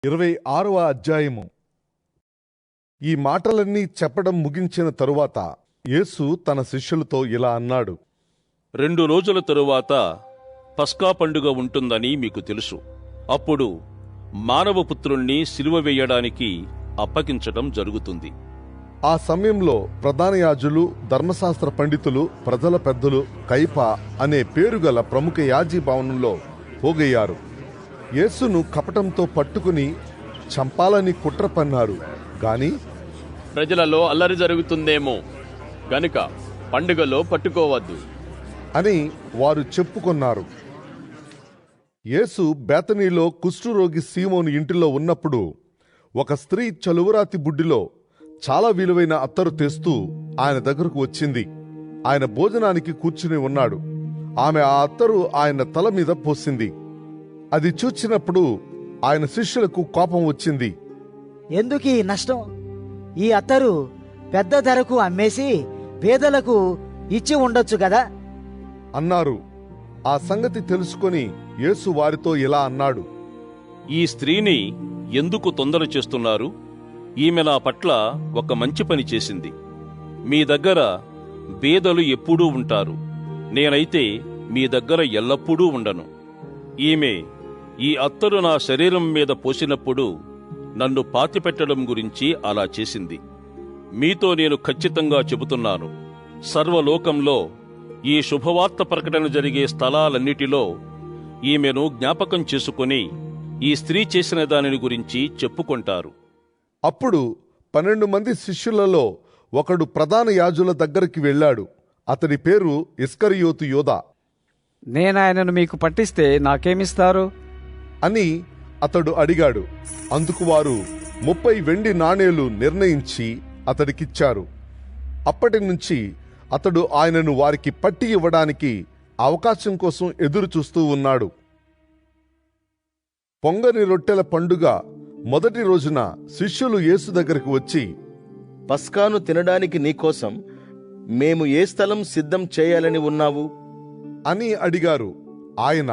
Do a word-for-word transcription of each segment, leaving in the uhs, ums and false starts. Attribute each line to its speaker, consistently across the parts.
Speaker 1: ఇరవై ఆరవ అధ్యాయము. ఈ మాటలన్నీ చెప్పడం ముగించిన తరువాత యేసు తన శిష్యులతో ఇలా అన్నాడు.
Speaker 2: రెండు రోజుల తరువాత పస్కా పండుగ ఉంటుందని మీకు తెలుసు. అప్పుడు మానవపుత్రుణ్ణి సిలువ వేయడానికి అప్పగించడం జరుగుతుంది.
Speaker 1: ఆ సమయంలో ప్రధాన యాజులు, ధర్మశాస్త్ర పండితులు, ప్రజల పెద్దలు కైప అనే పేరుగల ప్రముఖ యాజీ భవనంలో పోగయ్యారు. యేసును కపటంతో పట్టుకుని చంపాలని కుట్ర పన్నారు. గాని
Speaker 3: ప్రజలలో అల్లరి జరుగుతుందేమో గనుక పండుగలో పట్టుకోవద్దు
Speaker 1: అని వారు చెప్పుకొన్నారు. యేసు బేతనీలో కుష్ఠరోగి సీమోను ఇంటిలో ఉన్నప్పుడు ఒక స్త్రీ చలువరాతి బుడ్డిలో చాలా విలువైన అత్తరు తెస్తూ ఆయన దగ్గరకు వచ్చింది. ఆయన భోజనానికి కూర్చుని ఉన్నాడు. ఆమె ఆ అత్తరు ఆయన తల మీద పోసింది. అది చూచినప్పుడు ఆయన శిష్యులకు కోపం వచ్చింది.
Speaker 4: ఎందుకీ నష్టం? ఈ అత్తరు పెద్ద ధరకు అమ్మేసి పేదలకు ఇచ్చి ఉండొచ్చు కదా
Speaker 1: అన్నారు. ఆ సంగతి తెలుసుకొని యేసు వారితో ఇలా అన్నాడు.
Speaker 2: ఈ స్త్రీని ఎందుకు తొందర చేస్తున్నారు? ఈమె నా పట్ల ఒక మంచి పని చేసింది. మీ దగ్గర బేదలు ఎప్పుడూ ఉంటారు, నేనైతే మీ దగ్గర ఎల్లప్పుడూ ఉండను. ఈమె ఈ అత్తరు నా శరీరం మీద పోసినప్పుడు నన్ను పాతిపెట్టడం గురించి అలా చేసింది. మీతో నేను ఖచ్చితంగా చెబుతున్నాను, సర్వలోకంలో ఈ శుభవార్త ప్రకటన జరిగే స్థలాలన్నిటిలో ఈమెను జ్ఞాపకం చేసుకుని ఈ స్త్రీ చేసిన దానిని గురించి చెప్పుకొంటారు.
Speaker 1: అప్పుడు పన్నెండు మంది శిష్యులలో ఒకడు ప్రధాన యాజుల దగ్గరికి వెళ్ళాడు. అతడి పేరు ఇస్కరియోతు యోదా.
Speaker 5: నేనాయనను మీకు పట్టిస్తే నాకేమిస్తారు
Speaker 1: అని అతడు అడిగాడు. అందుకు వారు ముప్పై వెండి నాణేలు నిర్ణయించి అతడికిచ్చారు. అప్పటి నుంచి అతడు ఆయనను వారికి పట్టి ఇవ్వడానికి అవకాశం కోసం ఎదురు చూస్తూ ఉన్నాడు. పొంగని రొట్టెల పండుగ మొదటి రోజున శిష్యులు యేసు దగ్గరకు వచ్చి,
Speaker 6: పస్కాను తినడానికి నీకోసం మేము ఏ స్థలం సిద్ధం చేయాలని ఉన్నావు
Speaker 1: అని అడిగారు. ఆయన,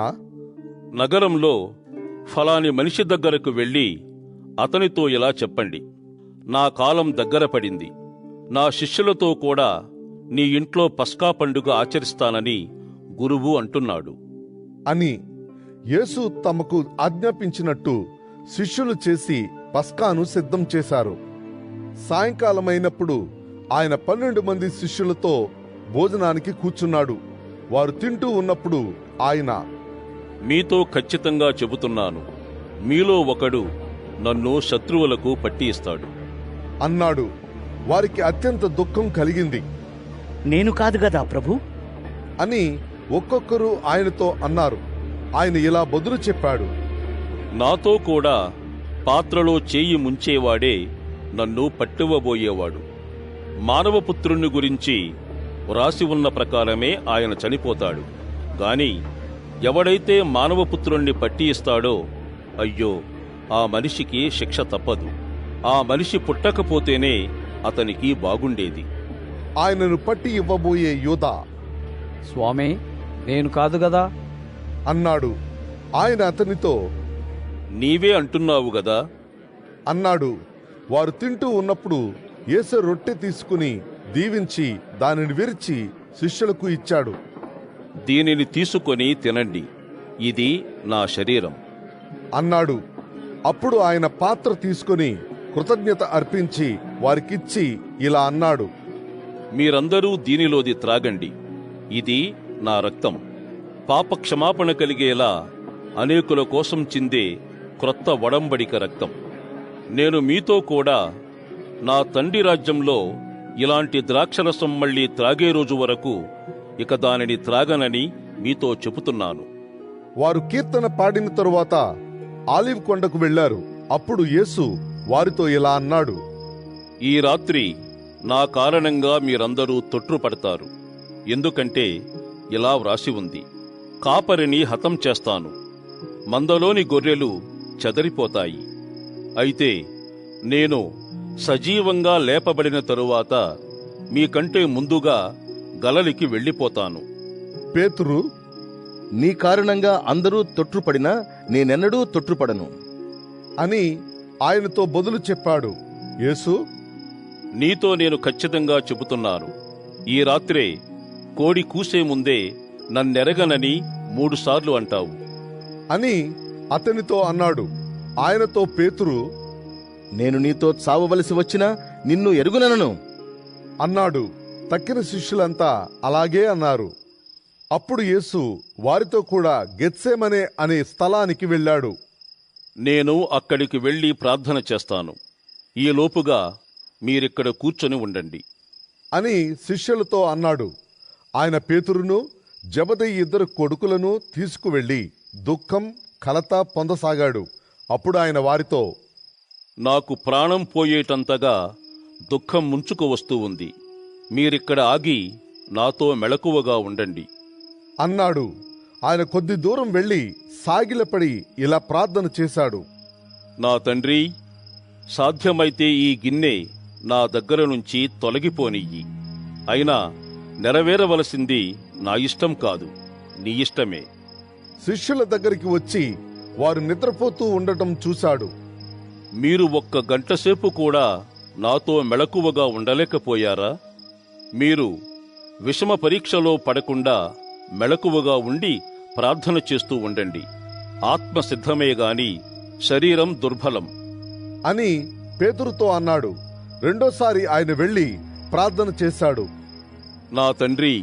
Speaker 2: నగరంలో ఫలాని మనిషి దగ్గరకు వెళ్ళి అతనితో ఇలా చెప్పండి, నా కాలం దగ్గర పడింది, నా శిష్యులతో కూడా నీ ఇంట్లో పస్కా పండుగ ఆచరిస్తానని గురువు అంటున్నాడు
Speaker 1: అని. యేసు తమకు ఆజ్ఞాపించినట్టు శిష్యులు చేసి పస్కాను సిద్ధం చేశారు. సాయంకాలమైనప్పుడు ఆయన పన్నెండు మంది శిష్యులతో భోజనానికి కూర్చున్నాడు. వారు తింటూ ఉన్నప్పుడు ఆయన,
Speaker 2: మీతో ఖచ్చితంగా చెబుతున్నాను, మీలో ఒకడు నన్ను శత్రువులకు పట్టి ఇస్తాడు
Speaker 1: అన్నాడు. వారికి అత్యంత దుఃఖం కలిగింది.
Speaker 4: నేను కాదు కదా ప్రభు
Speaker 1: అని ఒక్కొక్కరు ఆయనతో అన్నారు. ఆయన ఇలా బదులు చెప్పాడు.
Speaker 2: నాతో కూడా పాత్రలో చేయి ముంచేవాడే నన్ను పట్టువబోయేవాడు. మానవపుత్రుణ్ణి గురించి వ్రాసి ఉన్న ప్రకారమే ఆయన చనిపోతాడు. గాని ఎవడైతే మానవపుత్రుణ్ణి పట్టి ఇస్తాడో, అయ్యో, ఆ మనిషికి శిక్ష తప్పదు. ఆ మనిషి పుట్టకపోతేనే అతనికి బాగుండేది.
Speaker 1: ఆయనను పట్టి ఇవ్వబోయే యోదా,
Speaker 5: స్వామి, నేను కాదు గదా
Speaker 1: అన్నాడు. ఆయన అతనితో,
Speaker 2: నీవే అంటున్నావు గదా
Speaker 1: అన్నాడు. వారు తింటూ ఉన్నప్పుడు యేసు రొట్టె తీసుకుని దీవించి దానిని విరిచి శిష్యులకు ఇచ్చాడు.
Speaker 2: దీనిని తీసుకొని తినండి, ఇది నా శరీరం
Speaker 1: అన్నాడు. అప్పుడు ఆయన పాత్ర తీసుకుని కృతజ్ఞత అర్పించి వారికిచ్చి ఇలా అన్నాడు.
Speaker 2: మీరందరూ దీనిలోది త్రాగండి, ఇది నా రక్తం, పాప క్షమాపణ కలిగేలా అనేకుల కోసం చిందే క్రొత్త ఒడంబడిక రక్తం. నేను మీతో కూడా నా తండ్రి రాజ్యంలో ఇలాంటి ద్రాక్షరసం మళ్లీ త్రాగే రోజు వరకు ఇక దానిని త్రాగనని మీతో చెబుతున్నాను.
Speaker 1: వారు కీర్తన పాడిన తరువాత ఆలివ్ కొండకు వెళ్లారు. అప్పుడు యేసు వారితో ఇలా అన్నాడు.
Speaker 2: ఈ రాత్రి నా కారణంగా మీరందరూ తొట్రుపడతారు. ఎందుకంటే ఇలా వ్రాసి ఉంది, కాపరిని హతం చేస్తాను, మందలోని గొర్రెలు చెదరిపోతాయి. అయితే నేను సజీవంగా లేపబడిన తరువాత మీకంటే ముందుగా గలలికి వెళ్ళిపోతాను.
Speaker 1: పేతురు,
Speaker 6: నీ కారణంగా అందరూ తొట్రుపడినా నేనెన్నడూ తొట్రుపడను
Speaker 1: అని ఆయనతో బదులు చెప్పాడు. యేసు,
Speaker 2: నీతో నేను ఖచ్చితంగా చెబుతున్నాను, ఈ రాత్రే కోడి కూసే ముందే నన్నెరగనని మూడుసార్లు అంటావు
Speaker 1: అని అతనితో అన్నాడు. ఆయనతో పేతురు
Speaker 6: నేను నీతో చావవలసి వచ్చినా నిన్ను ఎరుగునను
Speaker 1: అన్నాడు. తక్కిన శిష్యులంతా అలాగే అన్నారు. అప్పుడు యేసు వారితో కూడా గెత్సేమనే అనే స్థలానికి వెళ్ళాడు.
Speaker 2: నేను అక్కడికి వెళ్ళి ప్రార్థన చేస్తాను, ఈ లోపుగా మీరిక్కడ కూర్చొని ఉండండి
Speaker 1: అని శిష్యులతో అన్నాడు. ఆయన పేతురును జబదయి ఇద్దరు కొడుకులను తీసుకువెళ్ళి దుఃఖం కలత పొందసాగాడు. అప్పుడు ఆయన వారితో,
Speaker 2: నాకు ప్రాణం పోయేటంతగా దుఃఖం ముంచుకు వస్తూ ఉంది, మీరిక్కడ ఆగి నాతో మెలకువగా ఉండండి
Speaker 1: అన్నాడు. ఆయన కొద్ది దూరం వెళ్ళి సాగిలపడి ఇలా ప్రార్థన చేశాడు.
Speaker 2: నా తండ్రి, సాధ్యమైతే ఈ గిన్నె నా దగ్గర నుంచి తొలగిపోనియ్యి, అయినా నెరవేరవలసింది నా ఇష్టం కాదు, నీ ఇష్టమే.
Speaker 1: శిష్యుల దగ్గరికి వచ్చి వారు నిద్రపోతూ ఉండటం చూశాడు.
Speaker 2: మీరు ఒక్క గంటసేపు కూడా నాతో మెలకువగా ఉండలేకపోయారా? మీరు విషమ పరీక్షలో పడకుండా మెలకువగా ఉండి ప్రార్థన చేస్తూ ఉండండి. ఆత్మ సిద్ధమే గాని శరీరం దుర్బలం
Speaker 1: అని పేతురుతో అన్నాడు. రెండోసారి ఆయన వెళ్ళి ప్రార్థన చేశాడు.
Speaker 2: నా తండ్రి,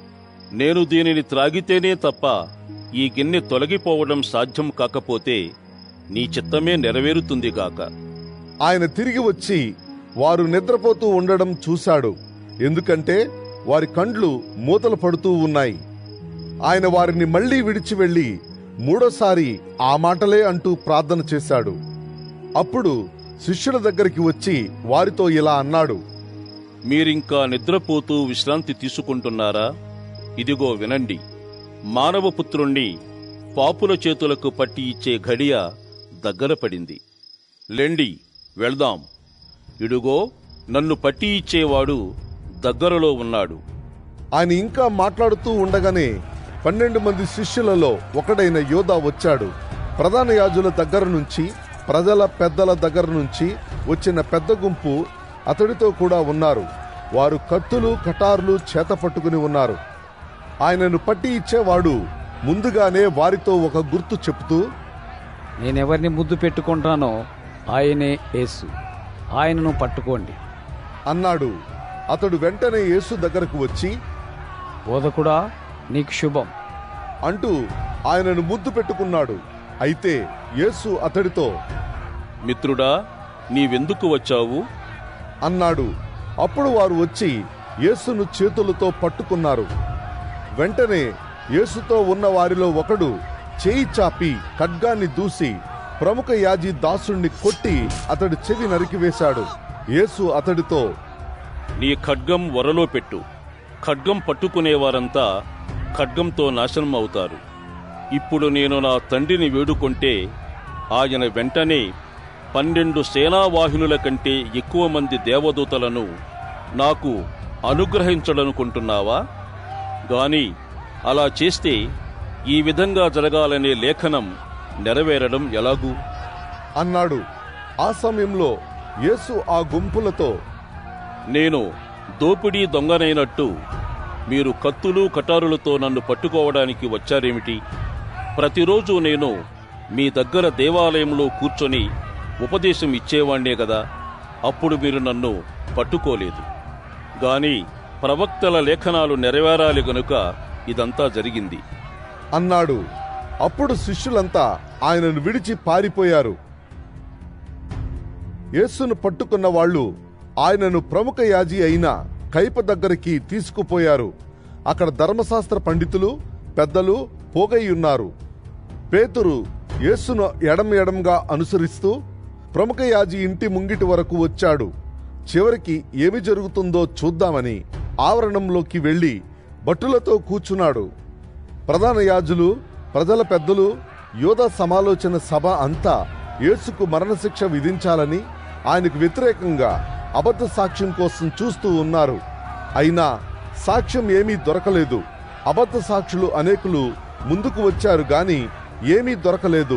Speaker 2: నేను దీనిని త్రాగితేనే తప్ప ఈ గిన్నె తొలగిపోవడం సాధ్యం కాకపోతే నీ చిత్తమే నెరవేరుతుందిగాక.
Speaker 1: ఆయన తిరిగి వచ్చి వారు నిద్రపోతూ ఉండడం చూశాడు. ఎందుకంటే వారి కండ్లు మూతలు పడుతూ ఉన్నాయి. ఆయన వారిని మళ్లీ విడిచి వెళ్లి మూడోసారి ఆ మాటలే అంటూ ప్రార్థన చేశాడు. అప్పుడు శిష్యుల దగ్గరికి వచ్చి వారితో ఇలా అన్నాడు.
Speaker 2: మీరింకా నిద్రపోతూ విశ్రాంతి తీసుకుంటున్నారా? ఇదిగో వినండి, మానవపుత్రుణ్ణి పాపుల చేతులకు పట్టి ఇచ్చే ఘడియ దగ్గర పడింది. లెండి, వెళ్దాం. ఇడుగో, నన్ను పట్టి ఇచ్చేవాడు దగ్గరలో ఉన్నాడు.
Speaker 1: ఆయన ఇంకా మాట్లాడుతూ ఉండగానే పన్నెండు మంది శిష్యులలో ఒకడైన యోధా వచ్చాడు. ప్రధాన యాజుల దగ్గర నుంచి, ప్రజల పెద్దల దగ్గర నుంచి వచ్చిన పెద్ద గుంపు అతడితో కూడా ఉన్నారు. వారు కత్తులు కటార్లు చేత పట్టుకుని ఉన్నారు. ఆయనను పట్టి ఇచ్చేవాడు ముందుగానే వారితో ఒక గుర్తు చెప్తూ,
Speaker 5: నేనెవరిని ముద్దు పెట్టుకుంటానో ఆయనే యేసు, ఆయనను పట్టుకోండి
Speaker 1: అన్నాడు. అతడు వెంటనే యేసు దగ్గరకు వచ్చి,
Speaker 5: బోధకుడా, నీకు శుభం
Speaker 1: అంటూ ఆయనను ముద్దు పెట్టుకున్నాడు. అయితే యేసు అతడితో,
Speaker 2: మిత్రుడా, నీవెందుకు వచ్చావు
Speaker 1: అన్నాడు. అప్పుడు వారు వచ్చి యేసును చేతులతో పట్టుకున్నారు. వెంటనే యేసుతో ఉన్న వారిలో ఒకడు చేయి చాపి ఖడ్గాన్ని దూసి ప్రముఖ యాజీ దాసుణ్ణి కొట్టి అతడి చెవి నరికివేశాడు. యేసు అతడితో,
Speaker 2: నీ ఖడ్గం వరలో పెట్టు. ఖడ్గం పట్టుకునేవారంతా ఖడ్గంతో నాశనం అవుతారు. ఇప్పుడు నేను నా తండ్రిని వేడుకొంటే ఆయన వెంటనే పన్నెండు సేనావాహినుల కంటే ఎక్కువ మంది దేవదూతలను నాకు అనుగ్రహించడనుకుంటున్నావా? గాని అలా చేస్తే ఈ విధంగా జరగాలనే లేఖనం నెరవేరడం ఎలాగూ
Speaker 1: అన్నాడు. ఆ సమయంలో యేసు ఆ గుంపులతో,
Speaker 2: నేను దోపిడీ దొంగనైనట్టు మీరు కత్తులు కటారులతో నన్ను పట్టుకోవడానికి వచ్చారేమిటి? ప్రతిరోజు నేను మీ దగ్గర దేవాలయంలో కూర్చొని ఉపదేశం ఇచ్చేవాణ్ణే గదా, అప్పుడు మీరు నన్ను పట్టుకోలేదు. గాని ప్రవక్తల లేఖనాలు నెరవేరాలి గనుక ఇదంతా జరిగింది
Speaker 1: అన్నాడు. అప్పుడు శిష్యులంతా ఆయనను విడిచి పారిపోయారు. యేసును పట్టుకున్న వాళ్ళు ఆయనను ప్రముఖ యాజీ అయిన కైప దగ్గరికి తీసుకుపోయారు. అక్కడ ధర్మశాస్త్ర పండితులు పెద్దలు పోగయ్యున్నారు. పేతురు యేసును ఎడం ఎడంగా అనుసరిస్తూ ప్రముఖ యాజీ ఇంటి ముంగిటి వరకు వచ్చాడు. చివరికి ఏమి జరుగుతుందో చూద్దామని ఆవరణంలోకి వెళ్లి భటులతో కూర్చున్నాడు. ప్రధాన యాజులు, ప్రజల పెద్దలు, యోధా సమాలోచన సభ అంతా యేసుకు మరణశిక్ష విధించాలని ఆయనకు వ్యతిరేకంగా అబద్ధ సాక్ష్యం కోసం చూస్తూ ఉన్నారు. అయినా సాక్ష్యం ఏమీ దొరకలేదు. అబద్ధ సాక్షులు అనేకులు ముందుకు వచ్చారు గాని ఏమీ దొరకలేదు.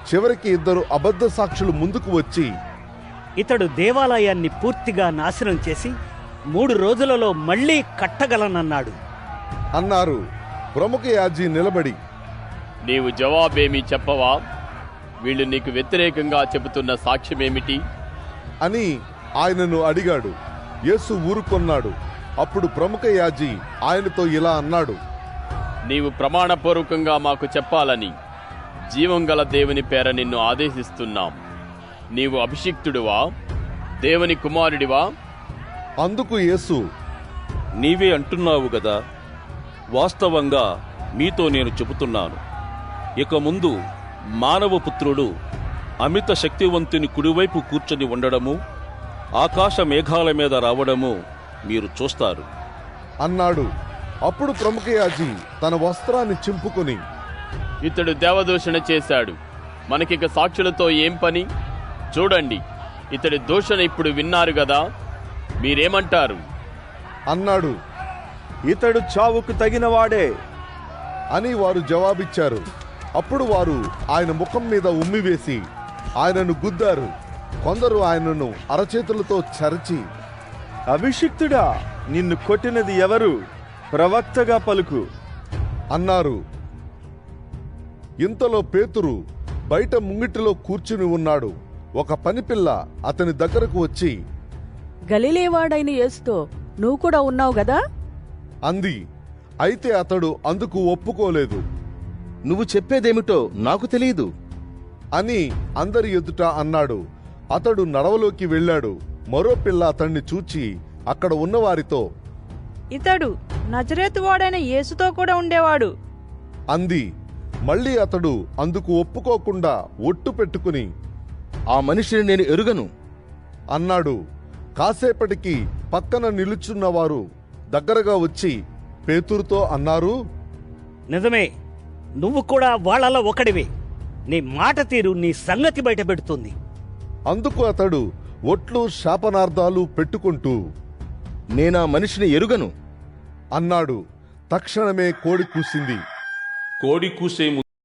Speaker 1: చివరికి ఇద్దరు అబద్ధ సాక్షులు ముందుకు వచ్చి,
Speaker 7: ఇతడు దేవాలయాన్ని పూర్తిగా నాశనం చేసి మూడు రోజులలో మళ్ళీ కట్టగలనన్నాడు
Speaker 1: అన్నారు. ప్రముఖ యాజీ నిలబడి,
Speaker 3: నీవు జవాబేమీ చెప్పవా? వీళ్ళు నీకు వ్యతిరేకంగా చెబుతున్న సాక్ష్యమేమిటి
Speaker 1: అని ఆయనను అడిగాడు. యేసు ఊరుకొన్నాడు. అప్పుడు ప్రముఖ యాజీ ఆయనతో ఇలా అన్నాడు,
Speaker 3: నీవు ప్రమాణపూర్వకంగా మాకు చెప్పాలని జీవం గల దేవుని పేర నిన్ను ఆదేశిస్తున్నాం. నీవు అభిషిక్తుడివా? దేవుని కుమారుడివా?
Speaker 1: అందుకు యేసు,
Speaker 2: నీవే అంటున్నావు గదా. వాస్తవంగా మీతో నేను చెబుతున్నాను, ఇక ముందు మానవపుత్రుడు అమిత శక్తివంతుని కుడివైపు కూర్చొని ఉండడము, ఆకాశ మేఘాల మీద రావడము మీరు చూస్తారు
Speaker 1: అన్నాడు. అప్పుడు ప్రముఖ యాజీ తన వస్త్రాన్ని చింపుకొని,
Speaker 3: ఇతడు దేవదూషణ చేశాడు. మనకిక సాక్షులతో ఏం పని? చూడండి, ఇతడి దూషణ ఇప్పుడు విన్నారు గదా. మీరేమంటారు
Speaker 1: అన్నాడు.
Speaker 8: ఇతడు చావుకు తగినవాడే
Speaker 1: అని వారు జవాబిచ్చారు. అప్పుడు వారు ఆయన ముఖం మీద ఉమ్మివేసి ఆయనను గుద్దారు. కొందరు ఆయనను అరచేతులతో చరచి,
Speaker 8: అభిషిక్తుడా, నిన్ను కొట్టినది ఎవరు? ప్రవక్తగా పలుకు
Speaker 1: అన్నారు. ఇంతలో పేతురు బయట ముంగిటిలో కూర్చుని ఉన్నాడు. ఒక పనిపిల్ల అతని దగ్గరకు వచ్చి,
Speaker 9: గలిలేవాడైన యేసుతో నువ్వు కూడా ఉన్నావు గదా
Speaker 1: అంది. అయితే అతడు అందుకు ఒప్పుకోలేదు.
Speaker 6: నువ్వు చెప్పేదేమిటో నాకు తెలియదు
Speaker 1: అని అందరి ఎదుట అన్నాడు. అతడు నడవలోకి వెళ్ళాడు. మరో పిల్ల అతన్ని చూచి అక్కడ ఉన్నవారితో,
Speaker 9: ఇతడు నజరేతు వాడైన యేసుతో కూడా ఉండేవాడు
Speaker 1: అంది. మళ్ళీ అతడు అందుకు ఒప్పుకోకుండా ఒట్టు పెట్టుకుని,
Speaker 6: ఆ మనిషిని నేను ఎరుగను
Speaker 1: అన్నాడు. కాసేపటికి పక్కన నిలుచున్నవారు దగ్గరగా వచ్చి పేతురుతో అన్నారు,
Speaker 7: నిజమే, నువ్వు కూడా వాళ్ళలో ఒకడివే. నీ మాట తీరు నీ సంగతి బయట పెడుతుంది.
Speaker 1: అందుకు అతడు ఒట్లు శాపనార్థాలు పెట్టుకుంటూ
Speaker 6: నేనా మనిషిని ఎరుగను
Speaker 1: అన్నాడు. తక్షణమే కోడి కూసింది.
Speaker 2: కోడి కూసే